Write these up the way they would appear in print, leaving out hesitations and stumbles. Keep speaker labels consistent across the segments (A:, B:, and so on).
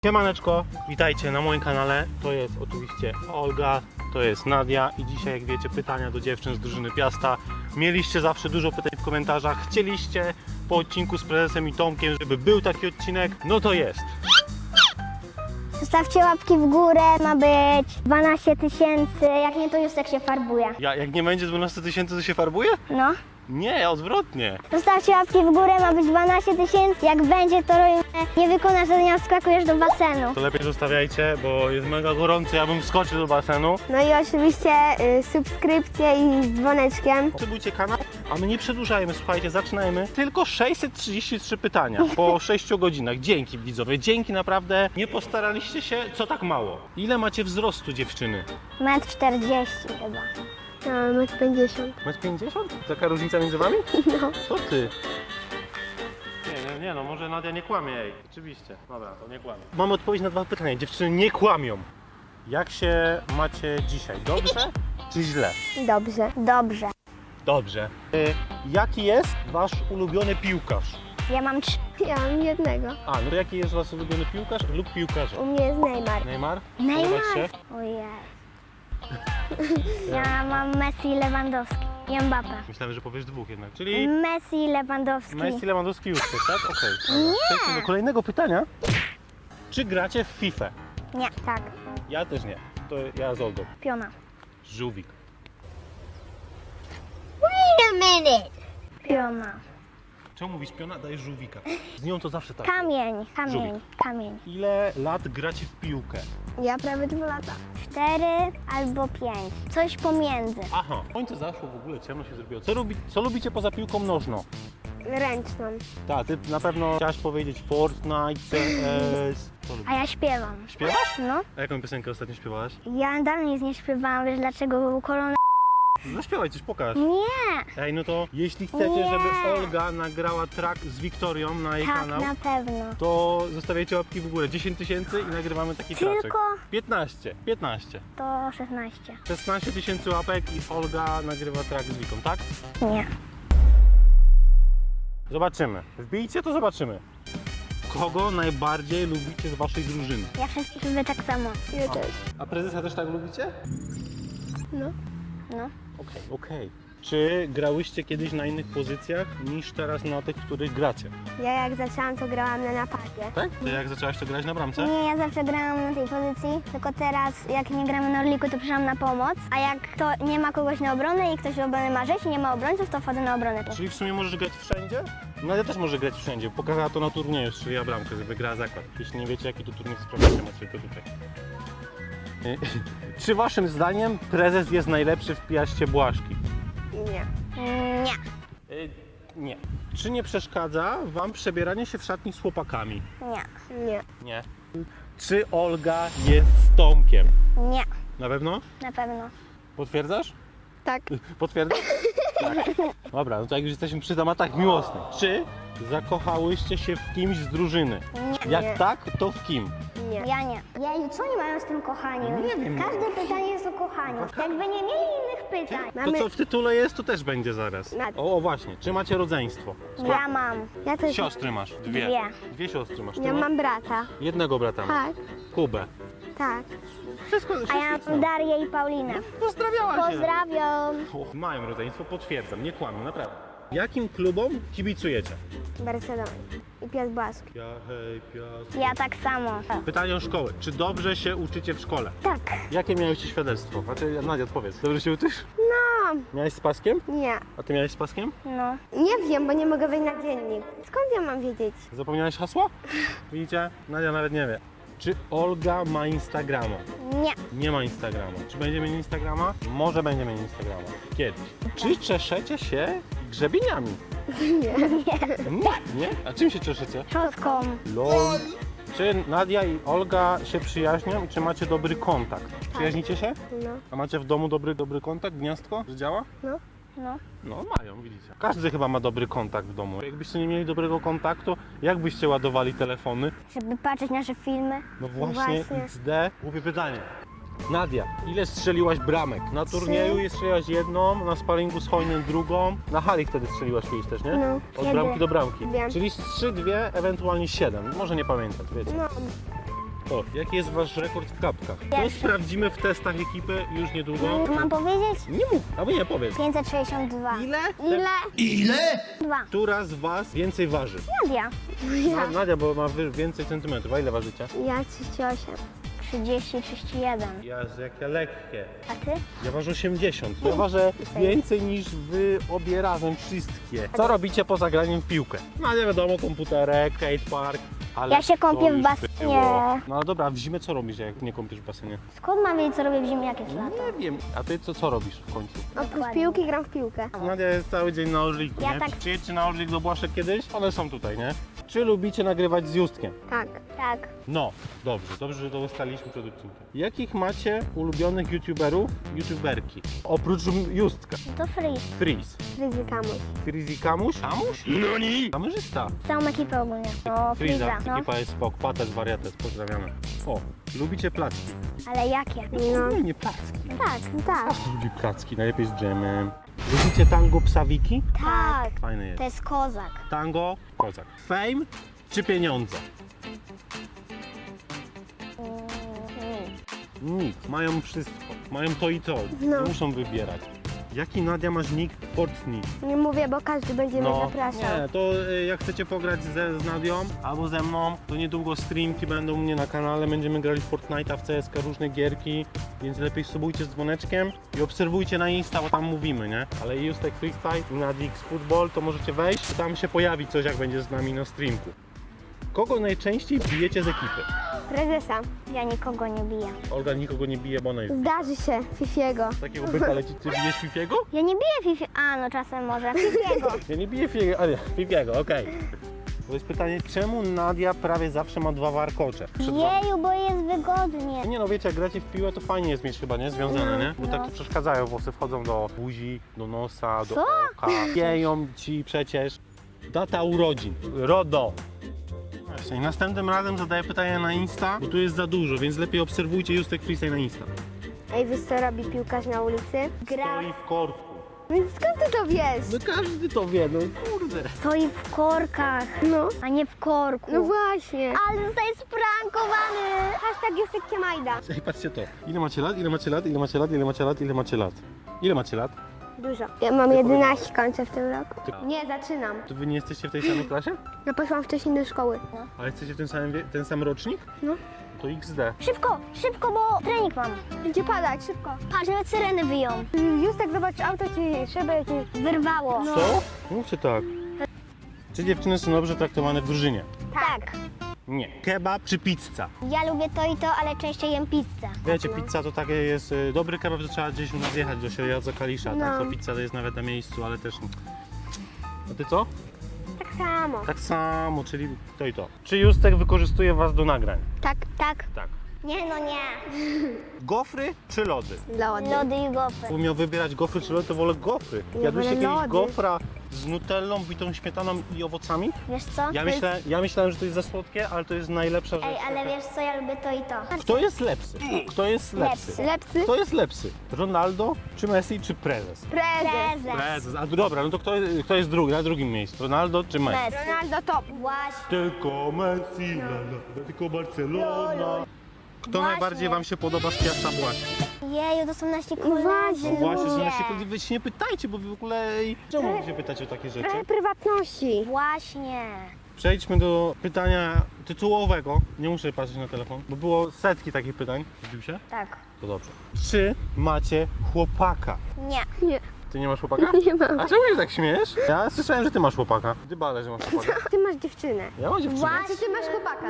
A: Siemaneczko, witajcie na moim kanale. To jest oczywiście Olga, to jest Nadia i dzisiaj, jak wiecie, pytania do dziewczyn z drużyny Piasta. Mieliście zawsze dużo pytań w komentarzach, chcieliście po odcinku z prezesem i Tomkiem, żeby był taki odcinek, no to jest.
B: Zostawcie łapki w górę, ma być 12 000, jak nie to Justek się farbuje.
A: Jak nie będzie 12 000, to się farbuje?
B: No.
A: Nie, odwrotnie.
B: Zostawcie łapki w górę, ma być 12 000, jak będzie to robimy, nie wykonasz zadania, wskakujesz do basenu.
A: To lepiej zostawiajcie, bo jest mega gorąco, ja bym wskoczył do basenu.
C: No i oczywiście subskrypcje i z dzwoneczkiem.
A: Subskrybujcie kanał, a my nie przedłużajmy, słuchajcie, zaczynajmy. Tylko 633 pytania po 6 godzinach. Dzięki widzowie, dzięki naprawdę. Nie postaraliście się, co tak mało. Ile macie wzrostu dziewczyny?
B: 1,40 m chyba.
C: No, 1,50 m.
A: 1,50 m? Taka różnica między wami?
C: No.
A: Co ty? Nie, no może Nadia nie kłamie, ej. Oczywiście. Dobra, to nie kłamie. Mamy odpowiedź na dwa pytania. Dziewczyny nie kłamią. Jak się macie dzisiaj? Dobrze czy źle?
C: Dobrze.
B: Dobrze.
A: Dobrze. Jaki jest wasz ulubiony piłkarz?
B: Ja mam 3.
C: Ja mam jednego.
A: No to jaki jest wasz ulubiony piłkarz lub piłkarze?
C: U mnie jest Neymar.
A: Neymar?
B: Neymar?
A: Podobać się?
B: Ojej. Ja mam Messi i Lewandowski. I Mbappé.
A: Myślałem, że powiesz dwóch jednak, czyli
B: Messi i Lewandowski.
A: Messi, Lewandowski już jest, tak? Okej. Dobra. Przejdźmy do kolejnego pytania. Czy gracie w FIFA?
B: Nie, tak.
A: Ja też nie. To ja z Olgą.
B: Piona.
A: Żółwik.
B: Piona.
A: Czemu mówisz piona? Dajesz żółwika. Z nią to zawsze tak.
B: Kamień.
A: Żółwik.
B: Kamień.
A: Ile lat gracie w piłkę?
C: Ja prawie 2 lata.
B: 4 albo 5. Coś pomiędzy.
A: Aha. Słońce zaszło, w ogóle ciemno się zrobiło. Co lubicie poza piłką nożną?
C: Ręczną.
A: Tak, ty na pewno chciałaś powiedzieć Fortnite, CS. Co lubisz?
B: A ja śpiewam.
A: Śpiewasz?
B: No.
A: A jaką piosenkę ostatnio śpiewałaś?
B: Ja dalej nic nie śpiewałam, wiesz dlaczego? Był korona.
A: No śpiewaj, coś pokaż.
B: Nie.
A: Ej, no to jeśli chcecie,
B: Nie.
A: żeby Olga nagrała track z Wiktorią na jej
B: Tak,
A: kanał,
B: na pewno.
A: to zostawiajcie łapki w górę. 10 000 i nagrywamy taki traczek.
B: Tylko
A: 15.
B: to 16.
A: 16 000 łapek i Olga nagrywa track z Wiką, tak?
B: Nie.
A: Zobaczymy. Wbijcie, to zobaczymy. Kogo najbardziej lubicie z waszej drużyny?
B: Ja wszystkich lubię tak samo.
C: Ja też.
A: A prezesa też tak lubicie?
C: No.
B: No.
A: Okej. Czy grałyście kiedyś na innych pozycjach niż teraz na tych, których gracie?
C: Ja jak zaczęłam, to grałam na napadzie.
A: Tak? Ty jak zaczęłaś to grać na bramce?
B: Nie, ja zawsze grałam na tej pozycji, tylko teraz jak nie gramy na Orliku, to przyszłam na pomoc, a jak to nie ma kogoś na obronę i ktoś do obrony ma rzeź i nie ma obrońców, to wchodzę na obronę.
A: Czyli w sumie możesz grać wszędzie? Nadia też może grać wszędzie. Pokazała to na turnieju, strzeliła bramkę, żeby wygrała zakład. Jeśli nie wiecie, jaki to turniej, sprawdźcie, macie to tutaj. Czy waszym zdaniem prezes jest najlepszy w Piaście Błaszki?
C: Nie.
B: Nie.
A: Nie. Czy nie przeszkadza wam przebieranie się w szatni z chłopakami?
B: Nie.
C: Nie.
A: Nie. Czy Olga jest z Tomkiem?
B: Nie.
A: Na pewno?
B: Na pewno.
A: Potwierdzasz?
C: Tak.
A: Potwierdzasz? Tak. Dobra, no to jak już jesteśmy przy tematach miłosnych. Czy zakochałyście się w kimś z drużyny?
B: Nie.
A: Jak
C: Nie.
A: tak, to w kim?
C: Nie.
B: Ja nie. Jeju, co oni mają z tym kochaniem?
A: Nie wiem.
B: Każde pytanie jest o kochaniu. Jakby nie mieli innych pytań.
A: To
C: Mamy...
A: co w tytule jest, to też będzie zaraz.
C: Ma-
A: O właśnie, czy macie rodzeństwo?
B: Ja mam.
C: Ja też.
A: Siostry masz? Dwie. Dwie siostry masz. Ty
C: Ja
A: masz?
C: mam brata.
A: Jednego brata masz.
C: Tak.
A: Kubę.
C: Tak.
A: Wszystko,
B: A ja mam Darię i Paulinę.
A: Pozdrawiała się.
B: Pozdrawiam.
A: Mają rodzeństwo, potwierdzam, nie kłamię, naprawdę. Jakim klubom kibicujecie?
C: Barcelona. I Piast Błask.
A: Ja, hej, piast.
B: Ja tak samo.
A: Pytanie o szkołę. Czy dobrze się uczycie w szkole?
B: Tak.
A: Jakie miałeś świadectwo? Znaczy, Nadia, odpowiedz. Dobrze się uczysz?
C: No.
A: Miałeś z paskiem?
C: Nie.
A: A ty miałeś z paskiem?
B: No.
C: Nie wiem, bo nie mogę wejść na dziennik. Skąd ja mam wiedzieć?
A: Zapomniałeś hasła? Widzicie? Nadia nawet nie wie. Czy Olga ma Instagrama?
B: Nie.
A: Nie ma Instagrama. Czy będzie mieć Instagrama? Może będzie mieć Instagrama. Kiedyś. Czy czeszecie się grzebieniami?
C: Nie.
A: Nie? A czym się czeszecie?
B: Czoską.
A: LOL. Czy Nadia i Olga się przyjaźnią i czy macie dobry kontakt? Przyjaźnicie się?
C: No.
A: A macie w domu dobry kontakt? Gniazdko? Że działa?
B: No.
A: No mają, widzicie. Każdy chyba ma dobry kontakt w domu. Jakbyście nie mieli dobrego kontaktu, jak byście ładowali telefony?
B: Żeby patrzeć nasze filmy.
A: No właśnie,
C: Właśnie.
A: XD. Głupie pytanie. Nadia, ile strzeliłaś bramek? Na turnieju strzeliłaś jedną, na sparingu z Hojnem drugą, na hali wtedy strzeliłaś kiedyś też, nie?
C: No.
A: Od bramki do bramki.
C: Wiem.
A: Czyli z 3, 2, ewentualnie 7. Może nie pamiętać, wiecie.
C: No.
A: O, jaki jest wasz rekord w kapkach? To sprawdzimy w testach ekipy już niedługo.
B: Mam powiedzieć?
A: Nie mów, albo nie powiedz.
B: 562.
A: Ile?
C: Ile?
B: 2.
A: Która z was więcej waży?
B: Nadia.
A: Nadia, bo ma więcej centymetrów. A ile ważycie?
C: Ja 38.
B: 30, 31.
A: Jezu, jakie lekkie.
B: A ty?
A: Ja ważę 80. Ja ważę więcej niż wy obie razem wszystkie. Co robicie poza graniem w piłkę? No nie wiadomo, komputerek, skatepark. Ale
B: Ja się kąpię
A: to
B: w
A: już
B: basenie.
A: było. No ale dobra, w zimę co robisz, jak nie kąpiesz w basenie?
B: Skąd mam wiedzieć, co robię w zimie, jak jest lato?
A: Nie wiem. A ty co robisz w końcu?
C: Oprócz
B: Dokładnie.
C: piłki gram w piłkę.
A: Nadia jest cały dzień na Orliku,
B: Ja
A: nie?
B: tak-
A: Przyjedźcie na Orlik do Błaszek kiedyś? One są tutaj, nie? Czy lubicie nagrywać z Justkiem?
C: Tak.
B: Tak.
A: No, dobrze, że to ustaliliśmy przed odcinkiem. Jakich macie ulubionych youtuberki? Oprócz Justka.
B: To free.
A: Freeze.
C: Ryzykamuś.
A: Freezy Kamuś? Kamuś? No nie! Kamerzysta.
B: Całą ekipę ogólnie. No,
A: Freeza,
B: Freeza. No.
A: ekipa jest spok, pates, wariates, pozdrawiamy. O, lubicie placki?
B: Ale jakie?
C: No.
A: Nie placki.
B: Tak.
C: Tak.
A: Lubi placki, najlepiej z dżemem. Lubicie tango psawiki?
B: Tak.
A: Fajne jest.
B: To jest kozak.
A: Tango, kozak. Fame czy pieniądze? Nic, mają wszystko. Mają to i to.
C: No.
A: Nie muszą wybierać. Jaki Nadia masz nick w Fortnite?
C: Nie mówię, bo każdy będzie mnie zapraszał.
A: nie, to jak chcecie pograć z Nadią albo ze mną, to niedługo streamki będą u mnie na kanale, będziemy grali w Fortnite'a, w CSK, różne gierki, więc lepiej subujcie z dzwoneczkiem i obserwujcie na Insta, bo tam mówimy, nie? Ale Justek Freestyle i Nadix Football, to możecie wejść i tam się pojawi coś, jak będzie z nami na streamku. Kogo najczęściej bijecie z ekipy?
C: Prezesa.
B: Ja nikogo nie biję.
A: Olga nikogo nie bije, bo ona jest
C: Zdarzy się. Fifiego.
A: takiego byka leci. Ty bijesz Fifiego?
B: Ja nie biję Fifi. A, no czasem może. Fifiego.
A: Ja nie biję Fifiego, ale Fifiego, okej. To jest pytanie, czemu Nadia prawie zawsze ma 2 warkocze?
B: Jeju, bo jest wygodnie.
A: Nie no, wiecie, jak gracie w piłę, to fajnie jest mieć chyba, nie? Związane, nie? Bo
B: No.
A: tak to przeszkadzają, włosy wchodzą do buzi, do nosa, do
B: Co?
A: oka. Pieją ci przecież. Data urodzin. RODO. Właśnie, następnym razem zadaję pytania na Insta, bo tu jest za dużo, więc lepiej obserwujcie Justek Freestyle na Insta.
C: Ej, wiesz co robi piłkarz na ulicy?
B: Gra.
A: Stoi w korku.
C: Więc skąd ty to wiesz?
A: No każdy to wie, no kurde.
B: Stoi w korkach,
C: No.
B: a nie w korku.
C: No właśnie.
B: Ale zostaje sprankowany.
C: Hashtag Justek Kiemajda.
A: Ej, patrzcie to. Ile macie lat? Ile macie lat? Ile macie lat? Ile macie lat? Ile macie lat? Ile macie lat?
C: Dużo. Ja mam 11, kończę w tym roku. Nie, zaczynam.
A: To wy nie jesteście w tej samej klasie?
C: Ja poszłam wcześniej do szkoły.
A: Ale jesteście w tym samym ten sam rocznik?
C: No.
A: To XD.
B: Szybko, bo trening mam.
C: Będzie padać, szybko.
B: Patrz, nawet syreny wyją.
C: Justek, zobacz, auto ci, szyby ci...
B: Wyrwało.
A: Co? Mówcie tak. Czy dziewczyny są dobrze traktowane w drużynie?
B: Tak.
A: Nie. Kebab czy pizza?
B: Ja lubię to i to, ale częściej jem pizzę.
A: Wiecie, pizza to takie jest dobry kebab, że trzeba gdzieś u nas jechać do Sieradza Kalisza, tak?
C: No.
A: To pizza to jest nawet na miejscu, ale też... A ty co?
C: Tak samo.
A: Tak samo, czyli to i to. Czy Justek wykorzystuje was do nagrań?
C: Tak,
B: Tak.
A: Tak.
B: Nie, no nie.
A: Gofry czy lody?
C: lody.
B: Lody i gofry.
A: Jakbym miał wybierać gofry czy lody, to wolę gofry.
C: Ja
A: Jadłyście
C: wolę
A: kiedyś
C: lody.
A: gofra z nutellą, bitą śmietaną i owocami?
B: Wiesz co?
A: Ja myślałem, że to jest za słodkie, ale to jest najlepsza rzecz.
B: Ej, ale wiesz co, ja lubię to i to.
A: Kto jest lepszy? Kto jest lepszy?
C: Lepsy?
A: Kto jest lepszy? Ronaldo, czy Messi, czy prezes?
C: Prezes.
A: Prezes. A dobra, no to kto jest drugi, na drugim miejscu? Ronaldo czy Messi?
B: Messi.
C: Ronaldo top.
B: Właśnie.
A: Tylko Messi, la, la, tylko Barcelona. Kto
B: Właśnie.
A: najbardziej wam się podoba z Piasta Błaśki?
B: Jeju, to są nasi koledzy.
C: Właśnie.
A: No właśnie, że
B: lubię.
A: nasi koledzy, wy się nie pytajcie, bo wy w ogóle... Czemu wy się pytacie o takie rzeczy?
C: Trochę prywatności.
B: Właśnie.
A: Przejdźmy do pytania tytułowego. Nie muszę patrzeć na telefon, bo było setki takich pytań. Zbił się?
B: Tak.
A: To dobrze. Czy macie chłopaka?
B: Nie.
C: Nie.
A: Ty nie masz chłopaka?
C: Nie mam.
A: A czemu się tak śmiejesz? Ja słyszałem, że ty masz chłopaka. Ty bale, że masz chłopaka.
C: Ty masz dziewczynę.
A: Ja mam dziewczynę.
B: Właśnie.
C: Ty masz chłopaka.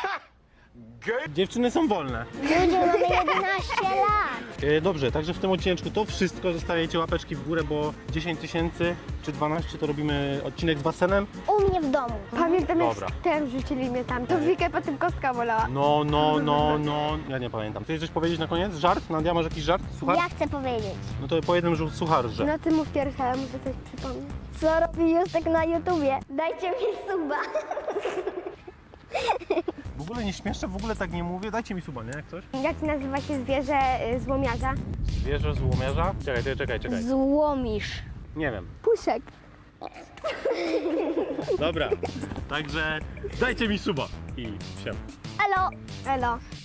A: Dziewczyny są wolne.
B: Ludzie, mamy 11 lat.
A: Dobrze, także w tym odcineczku to wszystko. Zostawiajcie łapeczki w górę, bo 10 tysięcy czy 12 to robimy odcinek z basenem.
B: U mnie w domu.
C: Pamiętam jak
A: Dobra.
C: ten rzucili mnie tam. To Wikę potem kostka bolała.
A: No. Ja nie pamiętam. Chcesz coś powiedzieć na koniec? Żart? Nadia, masz jakiś żart? Suchar?
B: Ja chcę powiedzieć.
A: No to po jednym sucharze.
C: No ty mów pierwszy, ale muszę coś przypomnieć.
B: Co robi Justek na YouTubie? Dajcie mi suba.
A: W ogóle nie śmieszczę, w ogóle tak nie mówię. Dajcie mi suba, nie? Jak coś?
C: Jak nazywa się zwierzę złomiarza?
A: Zwierzę złomiarza? Czekaj.
B: Złomisz.
A: Nie wiem.
C: Puszek.
A: Dobra. Także dajcie mi suba. i siema.
B: Elo!
C: Elo.